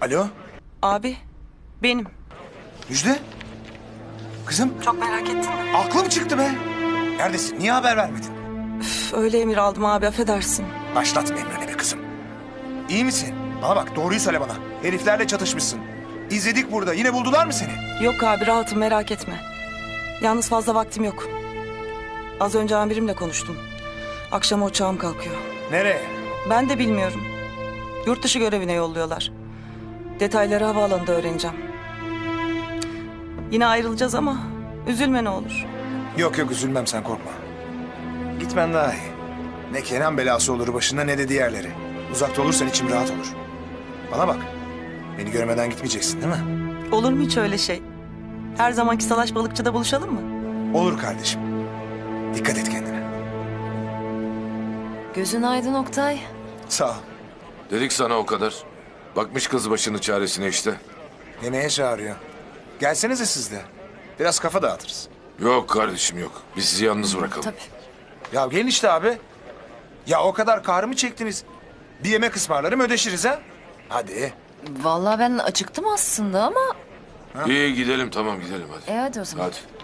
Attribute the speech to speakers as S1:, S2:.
S1: Alo,
S2: Abi, benim.
S1: Müjde? Kızım,
S2: Çok merak ettin mi?
S1: aklım çıktı be. Neredesin? Niye haber vermedin?
S2: Üf, öyle emir aldım abi, affedersin.
S1: Başlatma emrine be kızım. İyi misin? Bana bak, doğruyu söyle bana. Heriflerle çatışmışsın. İzledik burada. Yine buldular mı seni?
S2: Yok abi, rahatım, merak etme. Yalnız fazla vaktim yok. Az önce amirimle konuştum. Akşama uçağım kalkıyor.
S1: Nereye?
S2: Ben de bilmiyorum. Yurt dışı görevine yolluyorlar. Detayları havaalanında öğreneceğim. Yine ayrılacağız ama üzülme ne olur.
S1: Yok yok, üzülmem, sen korkma. Gitmen daha iyi. Ne Kenan belası olur başına ne de diğerleri. Uzakta olursan içim rahat olur. Bana bak. Beni görmeden gitmeyeceksin değil mi?
S2: Olur mu hiç öyle şey? Her zamanki Salaş Balıkçı'da buluşalım mı?
S1: Olur kardeşim. Dikkat et kendine.
S3: Gözün aydın Oktay.
S1: Sağ ol.
S4: Dedik sana o kadar. Bakmış kız başının çaresine işte.
S1: Yemeğe çağırıyor. Gelsenize siz de. Biraz kafa dağıtırız.
S4: Yok kardeşim yok. Biz sizi yalnız bırakalım.
S3: Tabii.
S1: Ya gelin işte abi. Ya o kadar kahrımı çektiniz. Bir yemek ısmarlarım, ödeşiriz ha. Hadi.
S3: Vallahi ben acıktım aslında ama...
S4: İyi gidelim, tamam gidelim hadi.
S3: Hadi o zaman.
S4: Hadi.